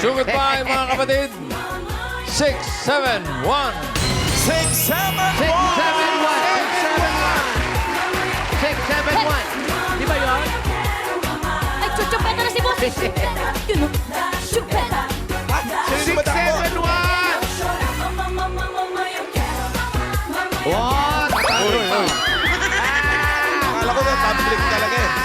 So goodbye, mga kapatid. 6, 7, 1. 6, 7, 6, 7, 1. 6, 7, 1. Di ba yun? Ay, chuchupeta na si boss. Yun o. Chupeta. Sino ba takbo? 6, 7, 1. Wow, tatalo pa. Akala ko na conflict talaga eh.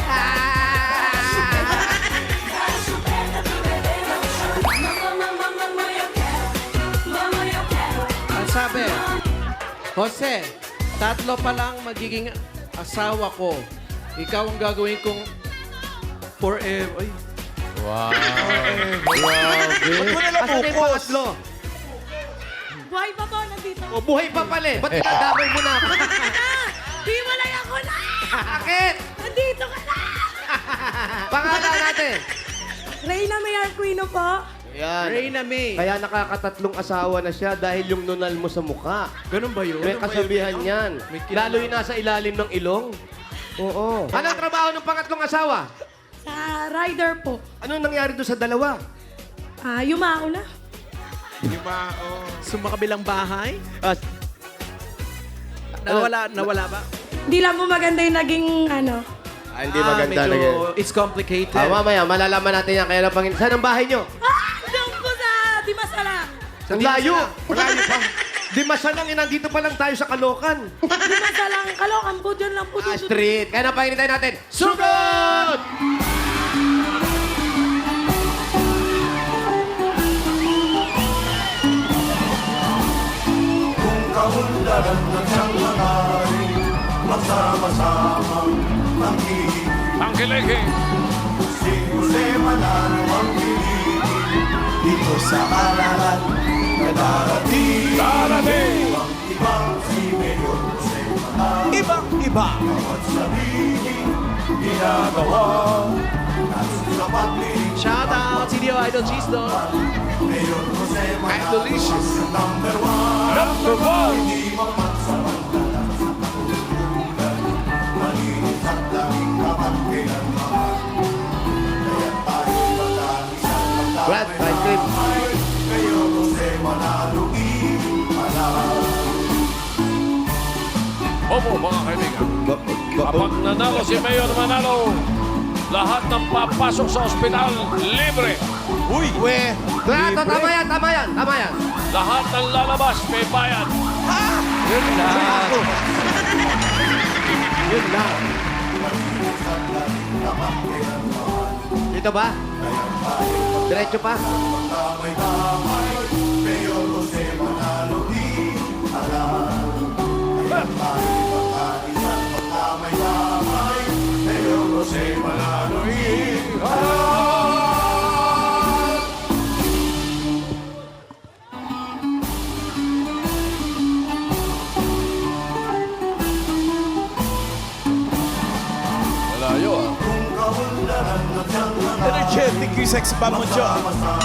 Ang sabi, Jose, tatlo pa lang magiging asawa ko. Ikaw ang gagawin kong forever. Ay, Wow. Ba't mo nila Asan na yung bukos? pangatlo? Buhay pa po, nandito. O, buhay pa pala eh. Ba't nadamay mo na ako? Di walay ako na! Bakit? Nandito ka na! Pangalan natin. Reyna May Arquino po. Yan. Reyna May. Kaya nakakatatlong asawa na siya dahil yung nunal mo sa mukha. Ganun ba yun? May kasabihan yan. May kilala. Lalo yung nasa ilalim ng ilong. Oo. Anong trabaho ng pangatlong asawa? Sa rider po. Anong nangyari doon sa dalawa? Yumao na. Sumakabilang bahay? Ah, Nawala ba? Hindi lang po maganda yung naging ano. hindi maganda medyo lagi. it's complicated. Mamaya, malalaman natin yan. Kaya lang Panginoon. Saan ang bahay nyo? Doon po sa Dimasala. Ang layo. Malayo pa. Di masalang, nandito pa lang tayo sa Kalokan. Dimasala ang Kalokan po. Diyan lang po. Street. Kaya napahingin tayo natin. Sugod! Kaunlaran ng siyang manaring magsama-samang panghihingi. Pangkiliki. Si Jose Manalo ang piliin dito sa alalan na darating. Ibang ibang si Mayor Jose Manalo Ibang-iba. at sabihin ginagawa. Nasa sa pagling Shout out, CDO Idol Cheese Dog. Mayor Jose Manalo Delicious. ang number one. Number 1. Hindi mapagsamantala sa katulungan. Malinis at laging tapat kailanman. Kaya tayo magkaisang Brad, ice cream. Kayo Jose Manalo ipalang. Opo, mga kaibigan. Kapag nanalo si Mayor Manalo, lahat ng papasok sa ospital, libre. Uy! Tama yan, tama yan, tama yan. Lahat ng lalabas, may bayad. Yun lang. Yun lang. Dito ba? Diretso pa? Damay-damay, Mayor Jose Manalo ipalang. Kaya tayo magkaisang magdamay-damay, Mayor Jose Manalo ipalang. Malayo ah. Energetic yung sex bomb mo, Joe.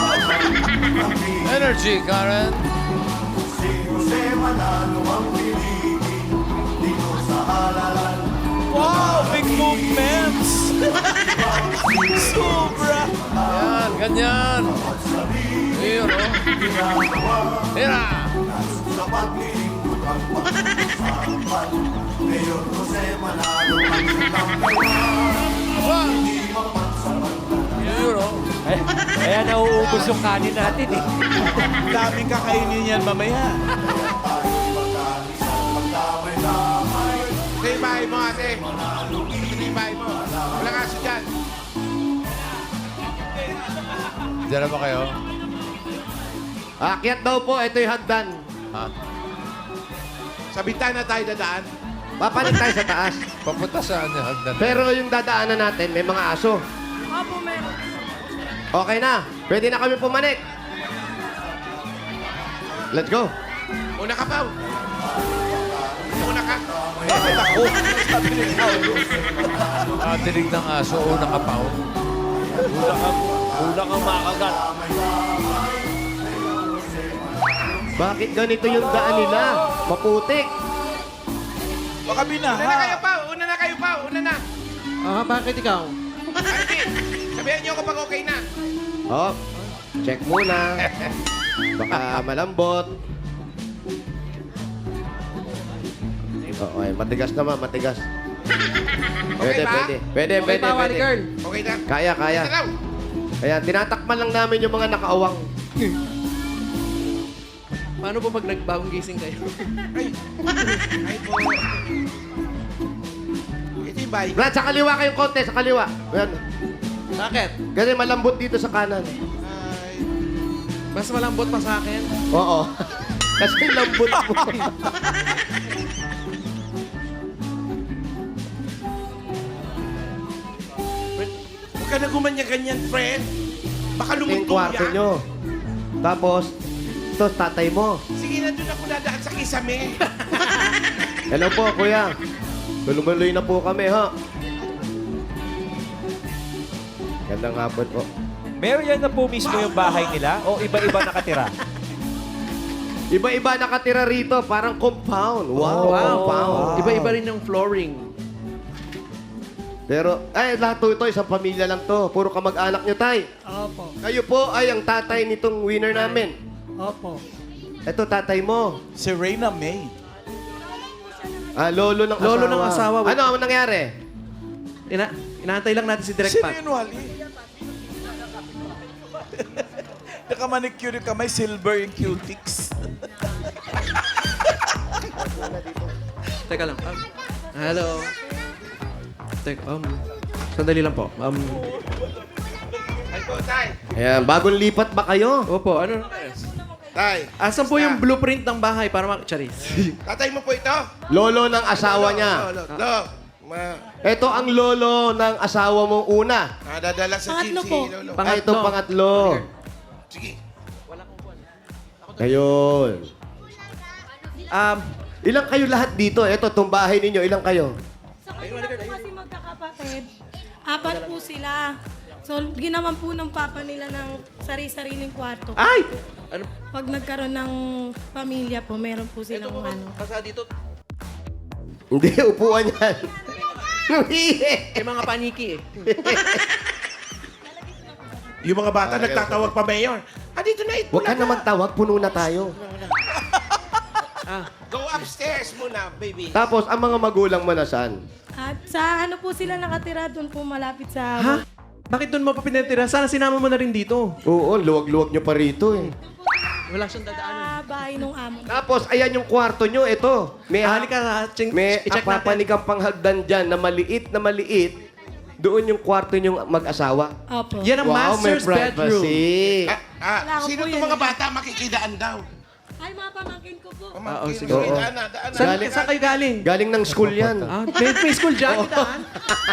Energy, Karen. Si Jose Manalo ang piliin dito sa halalan. Wow! Big movements! Sobra! Yan, ganyan. Ayun, oh. Hira! Sa paglilingkod ang pag-usapan, Mayor Jose Manalo ang number one. Hindi mapagsamantala. Ayun, oh. Kaya nauubos yung kanin natin eh. Daming kakainin yan mamaya. Magkaisang magdamay-damay. Ito yung bahay mo, ate. Ito yung bahay mo. Walang aso dyan. Diyan na ba kayo? Akyat daw po, ito yung hagdan. Ha? Sa bintana tayo dadaan. Papalit tayo sa taas. Papunta saan yung hagdan? Pero yung dadaanan natin, may mga aso. Opo, meron. Okay na. Pwede na kami pumanik. Let's go. Una ka, Pao. Una ka. Bakit ako? Sabi ni Paolo. Dinig ng aso, una ka pa. Una kang makagat. Bakit ganito yung daan nila? Maputik. Baka Una na kayo, binaha. Pao. Una na kayo, Pao. Una na. Bakit ikaw? Ay, hindi. Sabihan niyo ako pag okay na. Oh, Check muna. Baka malambot. Oo, ay, matigas naman, matigas. Pwede, ba? pwede. Okay pa, Wally girl. Okay na. Kaya. Ito raw. Kaya tinatakpan lang namin yung mga nakaawang. Paano po pag nagbagong gising kayo? Ay po. Ito yung bahay. Brad, sa kaliwa kayong konti, sa kaliwa. Ayan. Bakit? Kasi malambot dito sa kanan. Ay. Mas malambot pa sa akin. Oo. Kasi lambot mo. Huwag ka na gumanya-ganyan, friend. Baka Yung lumutong kwarto yan. nyo. Tapos, ito, tatay mo. Sige, nandun ako dadaan sa kisame. Hello po, kuya. Tulumaluy na po kami, ha? Gandang hapon po. Mayor, yan na po mismo yung bahay nila o iba-iba nakatira? Iba-iba nakatira rito, parang compound. Wow, compound. Iba-iba rin yung flooring. Pero, ay, lahat to ito, isang pamilya lang to. Puro kamag-anak nyo, tay. Opo. Kayo po ay ang tatay nitong winner namin. Opo. Ito, tatay mo. Si Reyna May. Lolo ng asawa. Lolo ng asawa. Ano ang nangyari? Inaantay lang natin si Direk Sino Pat. yun, Wally? Nakamanicure yung kamay, silver yung cutics. Teka lang. Hello. Sandali lang po. Ay po, tay. Ayan, bagong lipat ba kayo? Opo, ano? Tay. Asan po yung blueprint ng bahay para Charis. Tatay mo po ito? Lolo ng asawa niya. Lolo. Ito ang lolo ng asawa mong una. Dadala sa Pangatlo GC, po. Lolo. Ay, ito pangatlo. Sige. Ayun. Ilang kayo lahat dito? Ito, itong bahay ninyo, ilang kayo? Sa kanila po kasi magkakapatid, 4 po sila. So, ginawan po ng papa nila ng sari-sariling kwarto. Ay! Ano? Pag nagkaroon ng pamilya po, meron po silang ano. Basta dito, Hindi, upuan yan. may mga paniki eh. Yung mga bata nagtatawag pa, Mayor. Dito na, Huwag ka na magtawag, puno na tayo. Go upstairs muna, baby. Tapos, ang mga magulang mo nasaan? At sa ano po sila nakatira doon po malapit sa... Ha? Bakit doon mo pa pinatira? Sana sinama mo na rin dito. Oo, luwag-luwag nyo pa rito eh. Wala siyang dadaanan. Sa bahay nung amo. Tapos, ayan yung kwarto nyo, ito. May, Halika, may i-check natin. papanikang panghagdan dyan na maliit. Doon yung kwarto nyong mag-asawa. Opo. Yan ang master's bedroom. privacy. Wala ko Sino po itong yan mga eh. bata makikidaan daw? Ay, mga pamangkin ko po. Pamangkin. sige. Sige, Oo. daan na, daan na. Saan kayo galing? Galing ng school yan. May school dyan, kitaan.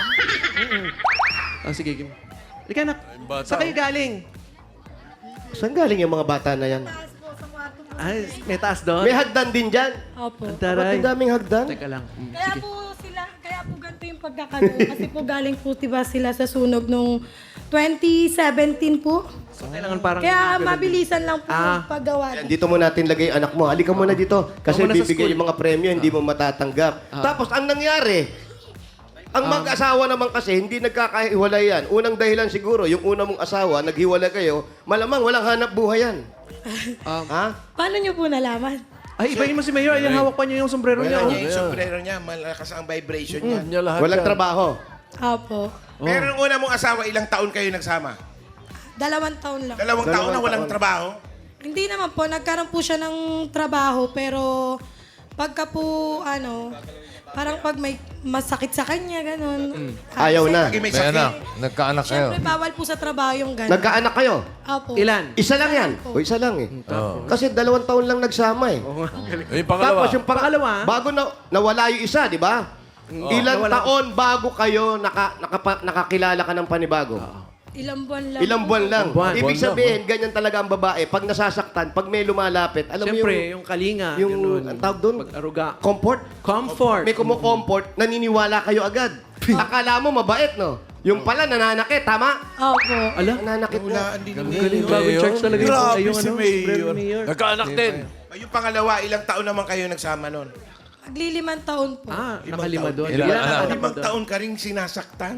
Sige, game. Halika na. Saan kayo galing? Saan galing yung mga bata na yan? Taas po sa kwarto po. Ay, may taas doon. May hagdan din dyan. Opo. Ba't Taray. ang daming hagdan? Teka lang. Kaya po ganito yung pagkakanoon. Kasi po galing po diba sila sa sunog nung 2017 po. So, kailangan parang... Kaya mabilisan lang po Ah. yung paggawa. Yan, dito mo natin lagay anak mo. Halika muna dito. Kasi Ako muna sa bibigay school. yung mga premyo, hindi mo matatanggap. Tapos, ang nangyari, ang mag-asawa naman kasi, hindi nagkakahiwalay yan. Unang dahilan siguro, yung una mong asawa, naghiwalay kayo, malamang walang hanap buhay yan. Ha? Paano nyo po nalaman? Ay, ibahin mo si Mayor. Ay, hawak pa niya yung sombrero niya. Wala oh. niya yung sombrero niya. Malakas ang vibration niya. Niya lahat Walang yan. trabaho. Opo. Pero nung una mong asawa, ilang taon kayo nagsama? 2 taon lang. 2 taon na walang taon. trabaho? Hindi naman po, nagkaroon po siya ng trabaho, pero pagka po, parang pag may masakit sa kanya, ganun. Ayaw na. Pag may May sakit. anak. Nagkaanak kayo. Siyempre, bawal po sa trabaho yung ganun. Nagkaanak kayo? Opo. Ilan? Isa lang yan. O, isa lang eh. Kasi 2 taon lang nagsama eh. Yung pangalawa. Tapos yung Pangalawa? bago nawala yung isa, di ba? Ilang nawala. taon bago kayo nakakilala ka ng panibago? Ilang buwan lang. Ilang buwan lang. Buwan. Ibig Buwan lang, sabihin, ganyan talaga ang babae. Pag nasasaktan, pag may lumalapit, alam mo Siyempre, yung kalinga. yung ganun. ang tawag doon? Pag-aruga. Comfort. Comfort. May kumukomfort, naniniwala kayo agad. Akala mo mabait, no? Yung pala, nananakit, tama? Opo. Ala? Nananakit na. Hulaan din yung Galing bagong church talaga yung Grabe yung si ano, Mayor. sombrero ni Mayor. Nagkaanak din. Yung pangalawa, ilang taon naman kayo nagsama nun? Maglilimang taon po. Ah, nakalima doon. Ilan Ilan anak? nakalima 5 doon? taon ka rin sinasaktan.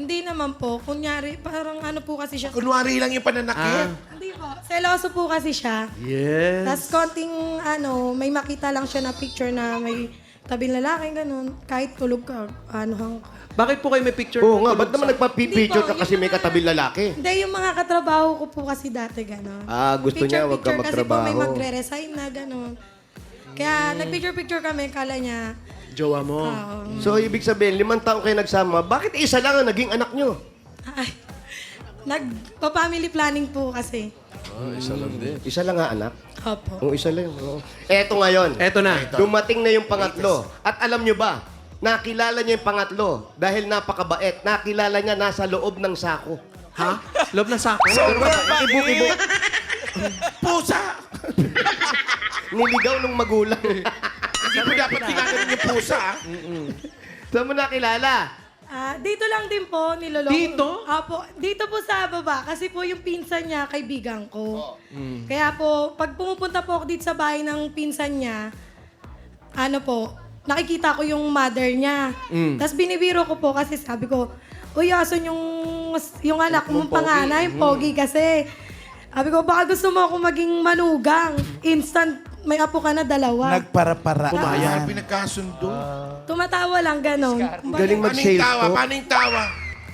Hindi naman po. Kunyari, parang ano po kasi siya. Kunwari lang yung pananakit. Hindi po. Seloso po kasi siya. Yes. Tapos konting may makita lang siya na picture na may tabing lalaki, ganun. Kahit tulog ka, hang... Bakit po kayo may picture? Oo nga, tulog ba't naman sa- nagpa-picture ka Hindi po, kasi yung may mga- katabing lalaki? Hindi, yung mga katrabaho ko po kasi dati, gano'n. Gusto niya, wag ka Kasi po may magtrabaho. magre-resign na, gano'n. Kaya nag-picture-picture kami, kala niya, Jowa mo. So, ibig sabihin, 5 taong kayo nagsama, bakit isa lang ang naging anak nyo? ay, nagpa-family planning po kasi. Isa lang din. Isa lang nga anak? Opo. Oo, isa lang. Oo. Eto ngayon. Eto na. Dumating na yung pangatlo. At alam nyo ba, nakilala niya yung pangatlo dahil napakabait. Nakilala niya nasa loob ng sako. Ha? Loob ng sako? Ibu-ibu. Pusa! Niligaw ng magulang. Hindi mo dapat ginaganon yung pusa, ah. Saan mo nakilala? Dito lang din po, niloloko. Dito? Apo, dito po sa baba. Kasi po yung pinsan niya, kaibigan ko. Kaya po, pag pumupunta po ako dito sa bahay ng pinsan niya, nakikita ko yung mother niya. Tapos binibiro ko po kasi sabi ko, uy, asan yung anak mong panganay, pogi kasi. Sabi ko, baka gusto mo ako maging manugang. Instant, may apo ka na 2. Nagpara-para. Pumayag, pinagkasundo. Tumatawa lang, gano'n. Galing Paano yung mag-sales tawa? talk. Paano yung tawa?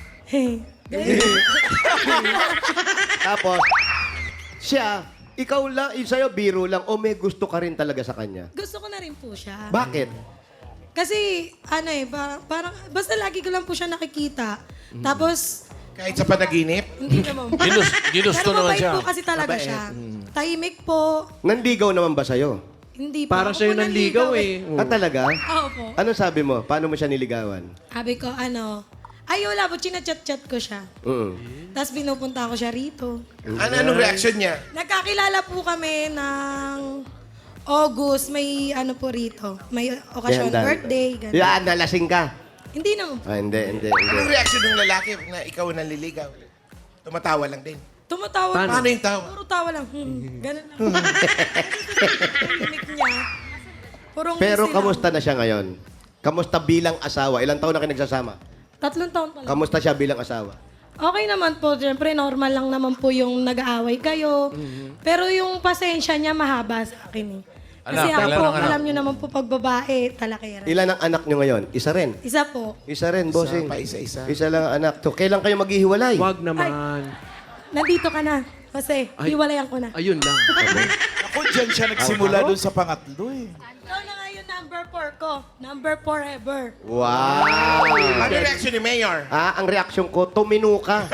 Tapos, siya, ikaw lang, sa'yo biro lang o may gusto ka rin talaga sa kanya? Gusto ko na rin po siya. Bakit? Kasi, parang, basta lagi ko lang po siya nakikita. Tapos, Kahit sa panaginip? hindi naman po. Ginusto Pero naman mabait siya. po kasi talaga siya. Tahimik po. Nanligaw naman ba sa'yo? Hindi po. Para Ako sa'yo po nanligaw eh. Ah, talaga? Oo po. Ano sabi mo? Paano mo siya niligawan? Sabi ko, ay wala po, chinachat-chat ko siya. Tapos pinupunta ko siya rito. Anong reaction niya? Nagkakilala po kami ng August, may po rito. May okasyon, Yan, Dan. birthday, gano'n. Yan, nalasing ka. Hindi naman po. Hindi. Anong reaction ng lalaki na ikaw ang nanliligaw? Tumatawa lang din. Tumatawa. Paano yung tawa? Puro tawa lang. Ganun lang. Tahimik niya. Purong Pero easy kamusta na siya ngayon? Kamusta bilang asawa? Ilang taon na kayo nagsasama? lang. 3 taon pa lang. Kamusta siya bilang asawa? Okay naman po. Siyempre, normal lang naman po yung nag-aaway kayo. Pero yung pasensya niya mahaba sa akin eh. Kasi Anak, ako ilan po, ang anak? alam niyo naman po pag babae, talakera. Ilan ang anak nyo ngayon? Isa rin. Isa po. Isa rin, bossing. pa, isa-isa. Isa lang ang anak. So, kailan kayo maghihiwalay? Wag naman. Nandito ka na. Kasi, Ay. hiwalayan ko na. Ayun lang. Ako, dyan siya nagsimula dun sa pangatlo eh. Ikaw na nga yung number 4 ko. Number forever. Wow! Ano reaction ni Mayor? Ang reaksyon ko, tumino ka.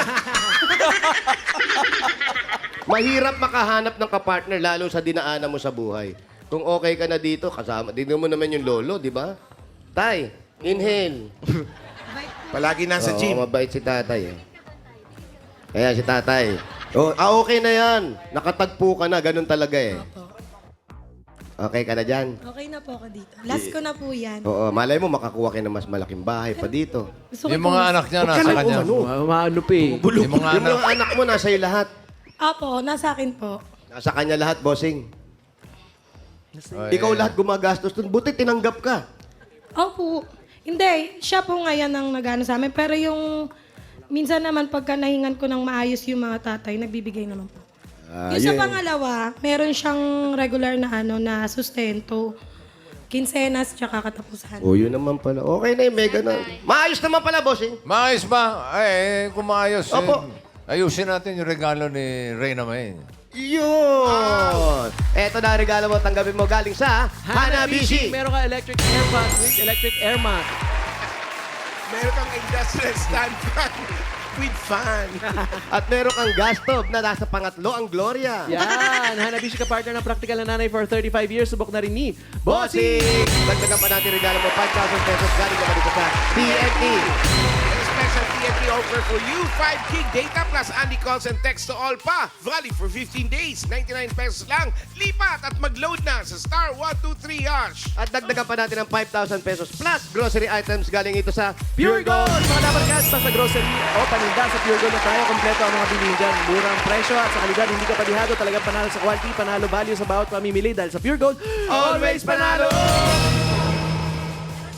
Mahirap makahanap ng kapartner lalo sa dinaanan mo sa buhay. Kung okay ka na dito, kasama, dito mo naman yung lolo, di ba? Tay, inhale. Palagi nasa Oo, gym. mabait si tatay eh. Ayan, si tatay. Okay na yan. Nakatagpo ka na, ganun talaga eh. Opo. Okay ka na dyan? Okay na po ako dito. Last ko na po yan. Oo, malay mo makakuha kayo ng mas malaking bahay pa dito. Gusto ko Yung po- mga anak niya Huwag ka nasa nang kanya. umano. Maano pa eh. Yung mga Yung anak. mga anak mo, nasa iyo lahat. Apo, nasa akin po. Nasa kanya lahat, bossing. Ikaw lahat gumagastos dun. Buti tinanggap ka. Opo. Hindi, siya po ngayon ang nag-ano sa amin. Pero yung, minsan naman pagka nahingan ko ng maayos yung mga tatay, nagbibigay naman po. Yung sa pangalawa, meron siyang regular na na sustento. Kinsenas, tsaka katapusan. Yun naman pala. Okay na yung mega na. Maayos naman pala, bossing. Maayos ba? Kung maayos, Opo. ayusin natin yung regalo ni Reyna May. Yun! Eto na ang regalo mo, tanggapin mo galing sa Hanabishi. Meron ka electric air mat with electric air mat. Meron kang industrial stand fan with fan. At meron kang gas stove na nasa pangatlo, ang Gloria. Yan. Hanabishi ka partner ng practical na nanay for 35 years. Subok na rin ni Bossing! Dagdagan pa natin regalo mo, 5,000 pesos galing naman dito sa TNT. Special TNT offer for you. 5 gig data plus Andy calls and text to all pa. Valid for 15 days. 99 pesos lang. Lipat at mag-load na sa star 123 hash. At dagdagan pa natin ng 5,000 pesos plus grocery items galing ito sa Pure Gold! Mga dapat gasta sa grocery o paninda sa Pure Gold na tayo. Kompleto ang mga bilhin dyan. Murang presyo at sa kalidad. Hindi ka palihado. Talagang panalo sa quality. Panalo value sa bawat pamimili. Dahil sa Pure Gold, always panalo!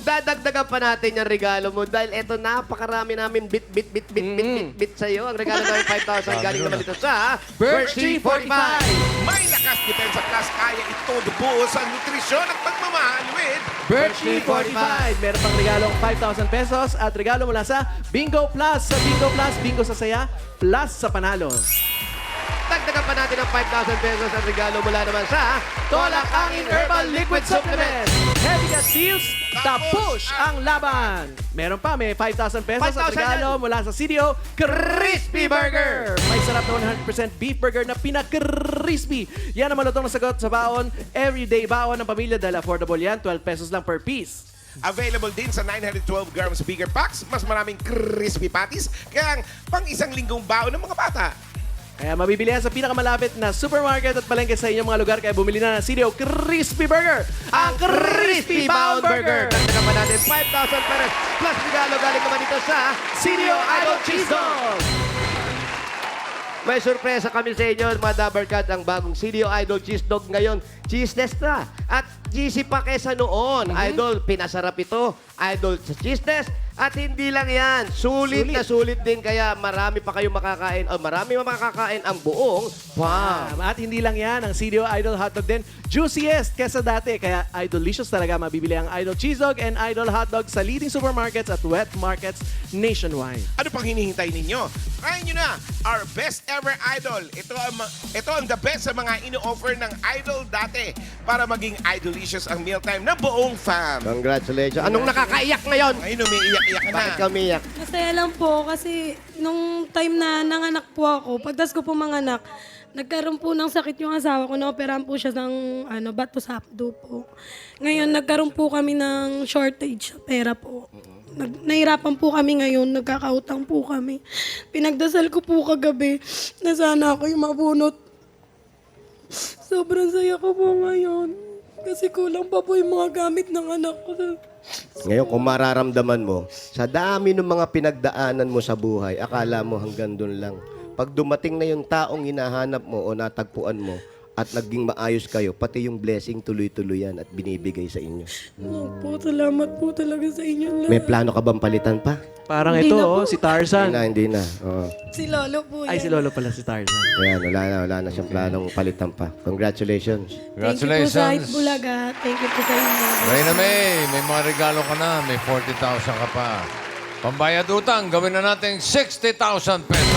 Dadagdagan pa natin yung regalo mo dahil eto napakarami namin bit sa'yo. Ang regalo namin 5,000 galing naman dito sa Birchie 45. May lakas depensa plus kaya ito buo sa nutrisyon at pagmamahal with Birchie 45. Meron pang regalong 5,000 pesos at regalo mula sa Bingo Plus. Sa Bingo Plus, bingo sa saya, plus sa panalo. Dagdagan pa natin ng 5,000 pesos ang regalo mula naman sa Tolak Angin Herbal Liquid Supplement. Heavy Gas Deals, tapos ang laban. Meron pa, may 5,000 pesos at 5,000 regalo mula sa CDO Crispy Burger. May sarap na 100% beef burger na pinaka-crispy. Yan ang malutong na sagot sa baon. Everyday baon ng pamilya dahil affordable yan. 12 pesos lang per piece. Available din sa 912 grams bigger packs. Mas maraming crispy patties. Kaya ang pang isang linggong baon ng mga bata. Kaya mabibili yan sa pinakamalapit na supermarket at palengke sa inyong mga lugar. Kaya bumili na ng CDO Crispy Burger. Ang Crispy Bound Burger. Dagdagan pa natin 5,000 pesos plus regalo galing naman dito sa CDO Idol Cheese Dog. May sorpresa kami sa inyo, mga Dabarkad, ang bagong CDO Idol Cheese Dog ngayon. Cheeseless na. At cheesy pa kesa noon. Idol, pinasarap ito. Idol sa cheeseless. At hindi lang yan. Sulit na sulit din. Kaya marami pa kayong makakain. O marami makakain ang buong farm. At hindi lang yan, ang CDO Idol Hotdog din, juiciest kesa dati. Kaya Idolicious talaga mabibili ang Idol Cheese Dog and Idol Hotdog sa leading supermarkets at wet markets nationwide. Ano pang hinihintay ninyo? Try nyo na our best ever Idol. Ito ang the best sa mga ino-offer ng Idol dati para maging Idolicious ang mealtime na buong fam. Congratulations. Anong nakakaiyak ngayon? Ay, umiiyak-iyak ka na. Bakit kami iyak? Masaya lang po kasi nung time na nanganak po ako, pagdas ko po manganak, nagkaroon po ng sakit yung asawa ko. Naoperahan po siya ng bato sa abdo po. Ngayon, nagkaroon po kami ng shortage sa pera po. Nahirapan po kami ngayon, nagkakautang po kami. Pinagdasal ko po kagabi na sana ako yung mabunot. Sobrang saya ko po ngayon. Kasi kulang pa po yung mga gamit ng anak ko. Ngayon, kung mararamdaman mo, sa dami ng mga pinagdaanan mo sa buhay, akala mo hanggang doon lang. Pag dumating na yung taong hinahanap mo o natagpuan mo at naging maayos kayo, pati yung blessing tuloy-tuloy yan at binibigay sa inyo. Po, salamat po talaga sa inyo lahat. May plano ka bang palitan pa? Parang Hindi ito, na po. si Tarzan. Hindi na. Oo. Si Lolo po yan. Ay, si Lolo pala si Tarzan. Ayan, wala na siyang planong palitan pa. Congratulations. Thank you po sa Hit Bulaga. Thank you po sa inyo. Reyna May, may mga regalo ka na. May 40,000 ka pa. Pambayad utang, gawin na natin 60,000 pesos.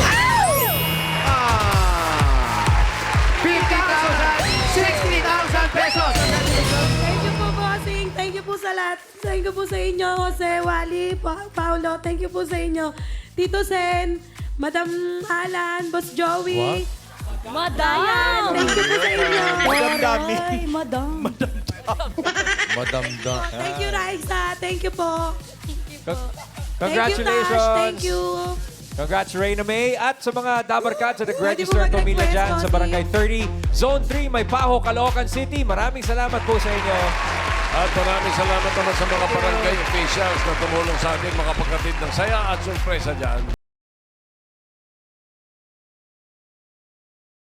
50,000 pesos! Thank you po, bossing. Thank you po sa lahat. Thank you po sa inyo, Jose, Wally, Paolo. Thank you po sa inyo. Tito Sen, Madam Alan, Boss Joey. Madam! Thank you po sa inyo. Madam Dami. Ay, Madam. Madam da. Thank you, Raisa. Thank you po. Congratulations! Thank you, Tash. Thank you. Congrats, Reyna May. At sa mga Dabarkad sa Pwede nag-register po pamilya mag-request, dyan sa Barangay Tony. 30, Zone 3, May Paho, Caloocan City. Maraming salamat po sa inyo. At maraming salamat naman sa mga barangay officials na tumulong sa atin makapagkatid ng saya at sorpresa dyan.